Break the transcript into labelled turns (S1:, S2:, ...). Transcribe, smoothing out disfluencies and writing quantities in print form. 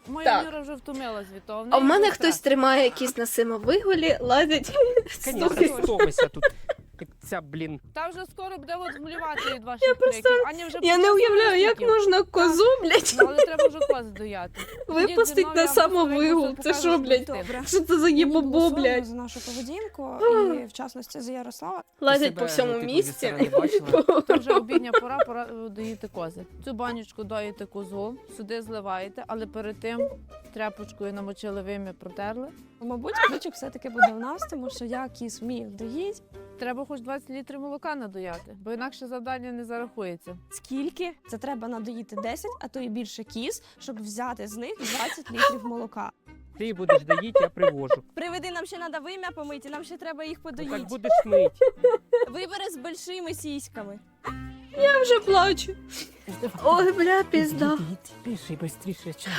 S1: Моя
S2: Так.
S1: Юра вже втомилась від того.
S2: А в мене хтось тримає якісь на самовиголі, ладить.
S3: Конечно, стовися тут. Як ця, блін.
S1: Та вже скоро буде от змлювати від ваших криків. Аня вже
S2: Я не
S1: почала
S2: уявляю, як
S1: криків.
S2: можна козу, блядь,
S1: Ну, але треба вже кози дояти.
S2: випустити на самовигул. Це що, блядь?
S4: Добре.
S2: Що це за їбобо,
S4: Голосуємо
S2: блядь?
S4: за нашу поведінку і, в частності, за Ярослава.
S2: Лазять
S3: себе,
S2: по всьому
S3: ну, типу,
S2: місці.
S3: зі сторони бачила?
S1: То вже обідня пора доїти кози. Цю банючку доїте козу, сюди зливаєте, але перед тим тряпочкою намочили вим'я, протерли.
S4: Мабуть, ключик все-таки буде в нас, тому що я кіз вмію доїть.
S1: Треба хоч 20 літрів молока надояти, бо інакше завдання не зарахується.
S4: Скільки? Це треба надоїти 10, а то і більше кіз, щоб взяти з них 20 літрів молока.
S3: Ти будеш доїти, я привожу.
S4: Приведи, нам ще треба вим'я помити, нам ще треба їх
S3: Ну,
S4: подоїти.
S3: так будеш мить.
S4: Вибери з большими сіськами.
S2: Я вже плачу. Ой, бля, пізда.
S3: Більше і швидше.